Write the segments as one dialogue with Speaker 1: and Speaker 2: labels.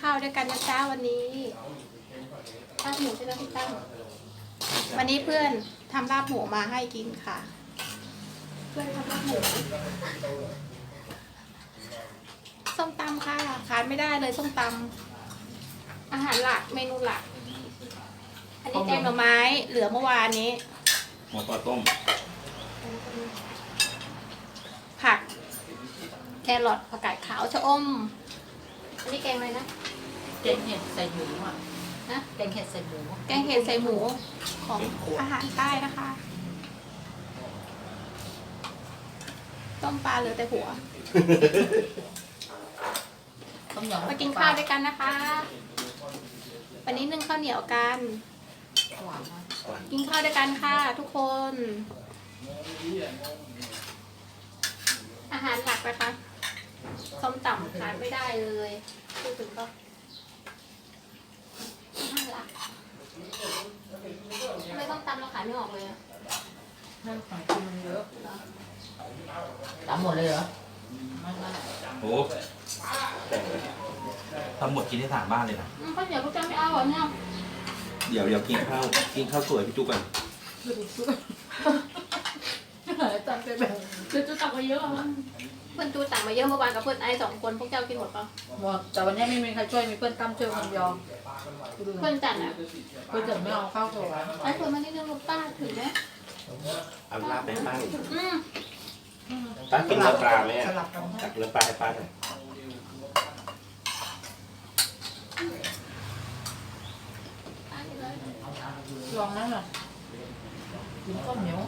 Speaker 1: ข้าวด้วยกันนะจ๊ะวันนี้ลาบหมูใช่ไหมพี่ตั้มวันนี้เพื่อนทำลาบหมูมาให้กินค่ะเพื่อนทำลาบหมูส้มตำค่ะขาดไม่ได้เลยส้มตำอาหารหลักเมนูหลักอันนี้แกงหน่อไม้เหลือเมื่อวานนี้
Speaker 2: หมูปลาต้ม
Speaker 1: ผักแครอทผักกาดขาวชะอมอันนี้แกงอะไรนะ
Speaker 3: แกงเห็ดใส่หมูอ่ะ
Speaker 1: นะ
Speaker 3: แกงเห็ดใส่หมู
Speaker 1: แกงเห็ดใส่หมูของอาหารใต้นะคะต้มปลาเหลือแต่หัวมากินข้าวด้วยกันนะคะวันนี้นึ่งข้าวเหนียวกันกินข้าวด้วยกันค่ะทุกคนอาหารหลักนะคะส้มตำขาดไม่ได้เลยพูดถึงก็อาหารหลักทำไมส้มตำเราขายไม่ออกเลยอะ
Speaker 3: นั่นของกินมันเยอะตำหมดเลยเหรอไม่
Speaker 2: โอ้ทำหมดกินได้3 บ้านเลยนะ
Speaker 1: ข้าวเหนียวพวกเจ้าไม่เอาเหรอเนี่ย
Speaker 2: เดี๋ยวกินข้าวสวยพี่จุ๊กกัน
Speaker 3: จำไปแบบ
Speaker 1: จูตักมาเยอะเพื่อนจูตักมาเยอะเมื่อวานกับเพื่อนไอ้2 คนพวกเจ้ากินหมดปะ
Speaker 3: หมดแต่วันนี้ไม่มีใครช่วยมีเพื่อนตั้มช่วยคนเดียว
Speaker 1: เพื่อนจัดอ่ะ
Speaker 3: เพื่อนจัดไม่เอาข้าวสวย
Speaker 1: ไอ้คนมานี่เรื่องลูกป้าถึงไหม
Speaker 2: เอาลาบไปป้าป้ากินเนื้อปลาไหมตักเนื้อปลาให้ป้าหน่อย
Speaker 3: ลองนั่นหน่อยกินข้าวเหนียว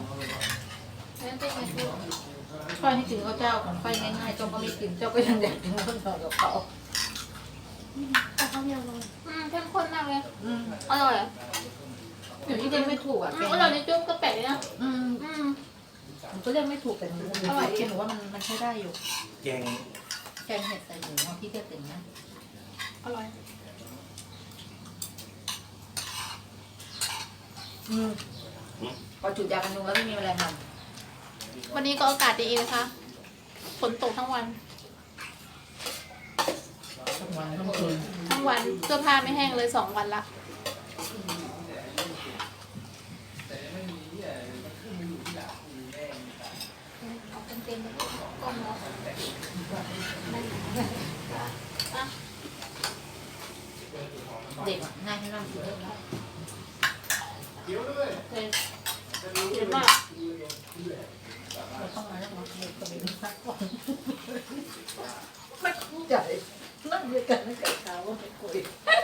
Speaker 3: ค่อยให้กินข้าวเจ้าของค่อยง่ายๆเจ้าก็ไม่กินเจ้าก็ยังอยากกินข้าวเหนียวกับเขา
Speaker 1: ข้าวเหนียวเลยเข้มข้นมากเลยอร่อย
Speaker 3: เดี๋ยวนี้เรียกไม่ถูกอ่ะ
Speaker 1: อร่อยในจุ๊บก็แปลกนะ
Speaker 3: มันก็เรียกไม่ถูกแต่หนูอร่อยหนูว่ามันใช้ได้อยู่
Speaker 2: แกง
Speaker 3: เห็ดใส่หมูที่เทียบถึงนะ
Speaker 1: อร่อย
Speaker 3: พอจุดยากันยุงแล้วไม่มีแมลงวัน
Speaker 1: วันนี้ก็อากาศดีนะคะฝนตกทั้งวัน
Speaker 3: ทั้งวันทั้งคืน
Speaker 1: ทั้งวันเสื้อผ้าไม่แห้งเลย2 วันละ
Speaker 3: เด็กง่ายให้นั่งกินได้แล้ว
Speaker 1: เยอะมาก
Speaker 3: เราต้องมาแล้วมาเด็กกับเด็กสักก่อนไม่เข้าใจนั่งด้วยกันนั่งกับเขาว่าไม่คุย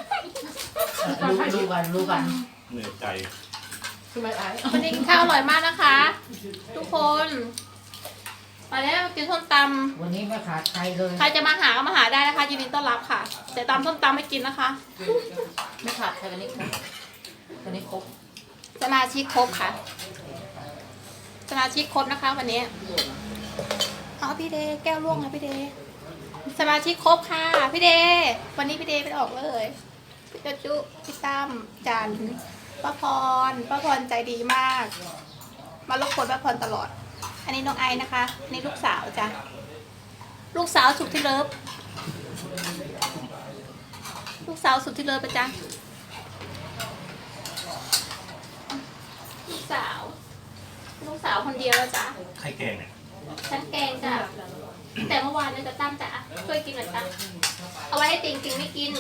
Speaker 3: รู้กัน
Speaker 2: เหนื่อยใจ
Speaker 3: ทำไมไอ้
Speaker 1: วันนี้กินข้าวอร่อยมากนะคะ ทุกคนมาแล้วกินส้มต
Speaker 3: ำวันนี้ไม่ขาดใครเลย
Speaker 1: ใครจะมาหาก็มาหาได้นะคะยินดีต้อนรับค่ะแต่ตำส้มตำไม่กินนะคะ
Speaker 3: ไม่ขาดใครวันนี้ครบวันนี้ครบ
Speaker 1: สมาชิกครบค่ะสมาชิกครบนะคะวันนี้เอาพี่เดแก้วล่วงนะพี่เดสมาชิกครบค่ะพี่เดวันนี้พี่เดไปออกเลยพี่จุพี่ตั้มจันป้าพรใจดีมากมารบกวนป้าพรตลอดอันนี้น้องไอนะคะนี่ลูกสาวจ้ะลูกสาวสุดที่เลิฟลูกสาวสุดที่เลิฟไปจ้ะลูกสาวคนเดียวแล้วจ้ะ
Speaker 2: ไข่แกงเนี่ย
Speaker 1: ฉันแกงจ้ะแต่เมื่อวานเนี่ยจะตั้มจ้ะช่วยกินหน่อยจ้ะเอาไว้ให้ติงไม่กิน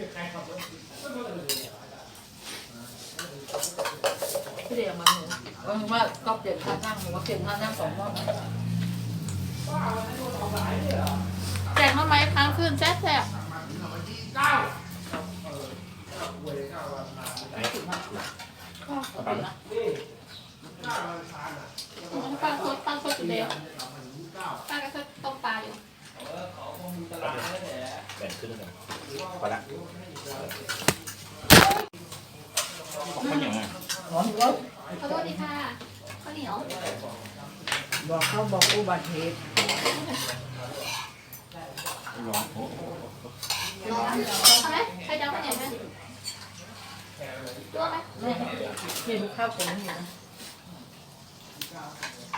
Speaker 3: พี่เดียวมาหนูว่าก็เปลี่ยนท่านั่งหนูว่าเปลี่ยนท่านั่ง2 รอบ
Speaker 1: แกงมาไหมค้างคืนแซ่บป้าโคตรเดียวป้าก็ต้มปลาอยู่
Speaker 2: แบ่งขึ้นเลยพอละข้าวเหนียวไง
Speaker 1: ขอโทษดีค่ะข้าวเหนียว
Speaker 3: บอกเขาบอกอุบัติเหตุ
Speaker 2: ร้อนโอ้
Speaker 1: เอาไหมใครจะเอาข้าวเหนียวไหมตัวไหม
Speaker 3: ไม่รู้ข้าวผมอยู่นะ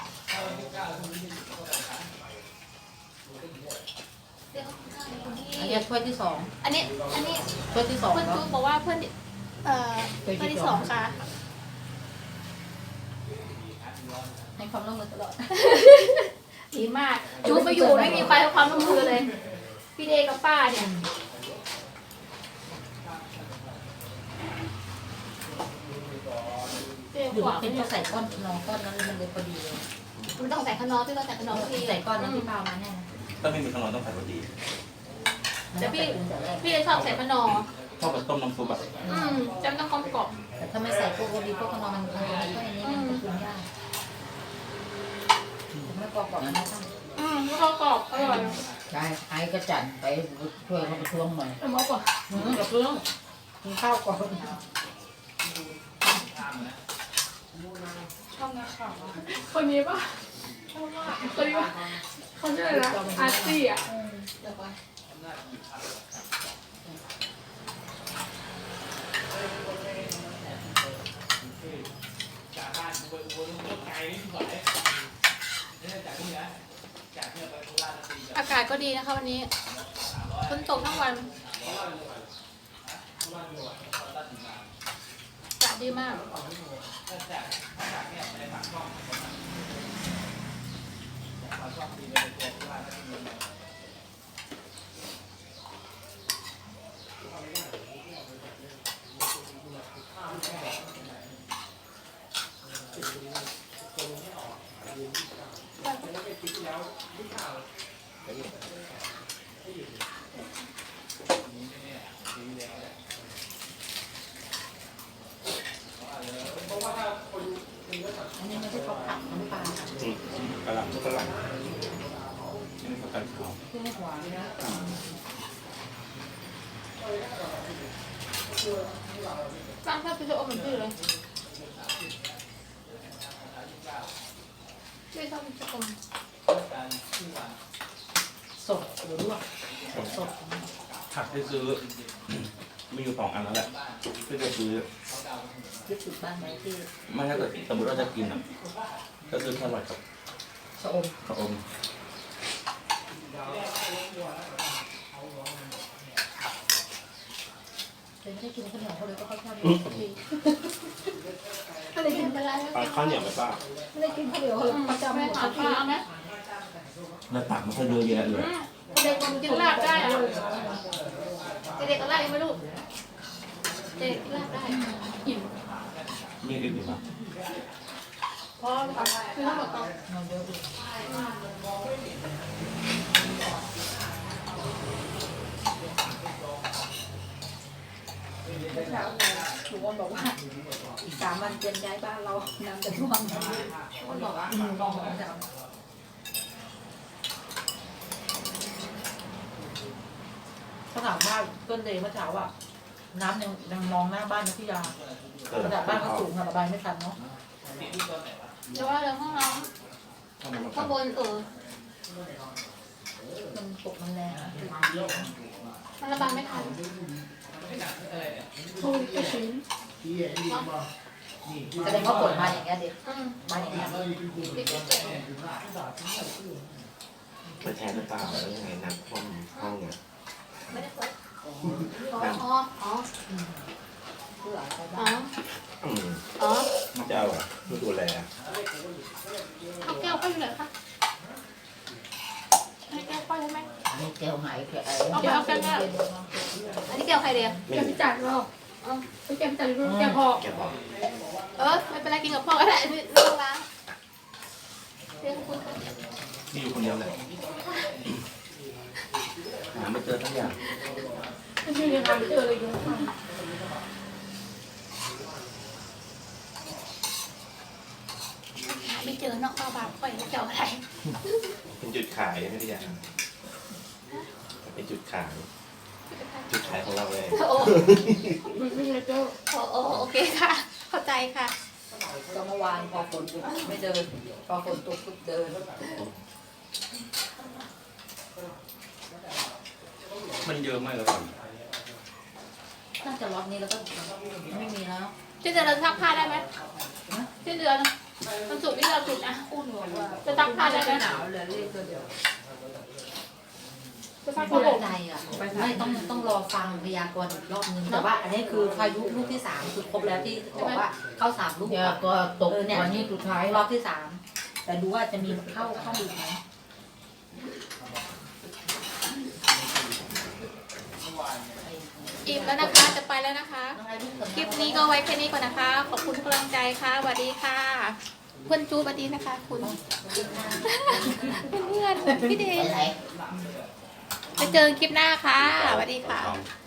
Speaker 3: อันนี้ร์ถ้วยที่สอง
Speaker 1: อันนี้
Speaker 3: ถ้วยที่สอง
Speaker 1: เพื่อน
Speaker 3: แล้ว
Speaker 1: จูบอกว่าเพื่อนเพื่อนที่สองค่ะ
Speaker 3: ให้ความร่วมมือตลอด
Speaker 1: ดีมากจูไปอยู่ไม่มีใครให้ความร่วมมือเลย พี่เดกับป้าเนี่ยเจ๊
Speaker 3: อยู่
Speaker 1: ขวาง
Speaker 3: เป็น
Speaker 1: เนี่ย
Speaker 3: ก็ใส่ก้อนนองก้อนนั้นมันเลยพอดีเลย
Speaker 1: มันต้องใส่ขนมพี่ก็ใส่ขนมพอดี
Speaker 3: ใส่ก้อนนั้นที่เปล่ามาแน่
Speaker 2: ถ้าไม่มีขนมต้องใส่พอดี
Speaker 1: แต่พี่เลยชอบใส่ขนม
Speaker 2: ชอบแบบต้มน้ำซุปแบบ
Speaker 1: จำต้องกลมกล่อม
Speaker 3: แต่ถ้าไม่ใส่พวกโรดีพวกขนมมันก็อันนี้มันปรุงยากไม่กรอบๆนะท่าน
Speaker 1: แล้วก็กรอบอร่อย
Speaker 3: ใช่ไอ้ก็จัดไปช่วยเขาไปช่วงหน่อย
Speaker 1: เอามากกว่า
Speaker 3: กับเรื่องกินข้าวก่อน
Speaker 1: ชอบนะค่ะคนนี้ป่ะชอบมากคนนี้ป่ะเขาชื่ออะไรนะอาร์ตี้อ่ะอากาศก็ดีนะคะวันนี้ฝนตกทั้งวันอากาศดีมาก
Speaker 3: อันนี้ไม่ใช่ข้าวผัดน้ำปลาก
Speaker 2: ระหล่ำทุกกระหล่ำนี่เป็นผักกาดขาว
Speaker 3: ที่ไม่หวานนะ
Speaker 1: สร้างภาพพิเศษเหมือนพี่เลยพี่ชอบพิเศษ
Speaker 3: สดหรือลวกสด
Speaker 2: ผักที่ซื้อมีอยู่2 อันแล้วแหละที่จะซื้อ
Speaker 3: ยึดติดบ้านไหนที่
Speaker 2: ไม่ถ้าเกิดสมมติว่าจะกินอ่ะก็ซื้อแครอทกับ
Speaker 3: ชะอม
Speaker 2: ข้าวอม
Speaker 3: เป็นไม่ได้กินข้าวเหนียวเขาเลยก็ค่อยชอบกินที
Speaker 1: ไม่ได้กินอะไร
Speaker 2: ปลาข้าวเหนียวไปป้า
Speaker 3: ไม่ได้กินข้าวเหนียวเขาเลยประจำหม
Speaker 1: ไม่
Speaker 3: ด
Speaker 1: ถาม
Speaker 3: ที
Speaker 1: ป้าเอาไหม
Speaker 2: แล้วตักมันก็เยอะแยะเลย
Speaker 1: เด็กกินลาบได้อะเด็กก็ลาบยังไม่รู้เด็กลาบได้อิ่ม
Speaker 2: มีอีกไหม
Speaker 1: พอคือทั้งหมดต้อง
Speaker 3: มันเยอะดีทุกคนบอกว่าอีก3 วันเตรียมย้ายบ้านเราน้ำจะท่วมทุกคนบอกว่าลองจะเขาถามว่าต้นเดย์เมื่อเช้าว่าน้ำยังมองหน้าบ้านนะพี่ยาระดับบ้านเขาสูงค่ะระบายไม่ทันเนาะ
Speaker 1: แต่ว่าเรื่องห้องน้ำข้างบน
Speaker 3: มันปกมันแรง
Speaker 1: มันระบายไม่ทันโอ้ยกระชื้น
Speaker 3: แสดงว่าฝนมาอย่างเงี้ยเด็ก มาอย่างเงี้ย
Speaker 2: ไปแทนหรือเปล่าแล้วยังไงน้ำท่วมห้องเนี่ย
Speaker 1: ไม่ได้เปิดอ๋อ
Speaker 3: เพื่ออะไร
Speaker 1: อ๋อ
Speaker 3: บ้าง
Speaker 1: อ๋อ
Speaker 2: เจ้าอ่ะไม่ดูแล
Speaker 1: ข้าวแก้วค่อยอยู่ไหนคะให้แก้วค่อยใช่ไหม
Speaker 3: อันนี้แก้วหายแก้ว
Speaker 1: อันนี้แก้วใครเดียว
Speaker 2: ไม่
Speaker 4: แก
Speaker 2: มี
Speaker 4: พิจารณ์เราแกพิจารณ์แกพอ
Speaker 2: แกบอก
Speaker 1: ไม่เป็นไรกินกับพ่อก็ได้ไม่ต้องล้างเรียกคุณ
Speaker 2: มีอยู่คนเดียวเลยหาไม่เจอทั้งอย่าง
Speaker 4: ไม่ใช่ยังไงเจอเลยอยู่
Speaker 1: ไม่เจอนอกบ้านบาปค่อยเจ้าอะไร
Speaker 2: เป็นจุดขายไม่ได้อย่างเป็นจุดขายจุดขายของเราเลย
Speaker 1: โอ้
Speaker 4: ไม่ใช่เจ้า
Speaker 1: โอเคค่ะ เข้าใจค่ะ
Speaker 3: ก็เมื่อวานพอฝนตกไม่เดิน พอฝนตกปุ๊บเดิน
Speaker 2: มันเยอะมากเลยก่อน
Speaker 3: น่าจะล็อตนี้แล้วก็ไม่มีแล้ว
Speaker 1: ที่จะเราซักผ้าได้ไหมที่เดือนมันสุกร์ที่เราจุดนะ
Speaker 3: พูดหนูว่า
Speaker 1: จะซักผ้าได้ไหม
Speaker 3: หนาวเหลือเลขตัวเดียว
Speaker 4: สร้าง
Speaker 3: ไม่
Speaker 4: โลก
Speaker 3: ใจอ่ะไม่ต้องรอฟังพยากรณ์อีกรอบนึงแต่ว่าอันนี้คือพายุลูกที่สามคือครบแล้วที่บอกว่าเข้าสามลูก
Speaker 5: อย่าก็ตกวันนี้สุดท้าย
Speaker 3: รอบที่สามแต่ดูว่าจะมีเข้าอีกไหม
Speaker 1: อิ่มแล้วนะคะจะไปแล้วนะคะ คลิปนี้ก็ไว้แค่นี้ก่อนนะคะ ขอบคุณทุกกำลังใจค่ะสวัสดีค่ะเพื่อนจูสวัสดีนะคะ คุณเพื่อนพี่เดย์ไปเจอคลิปหน้าค่ะสวัสดีค่ะ
Speaker 2: 2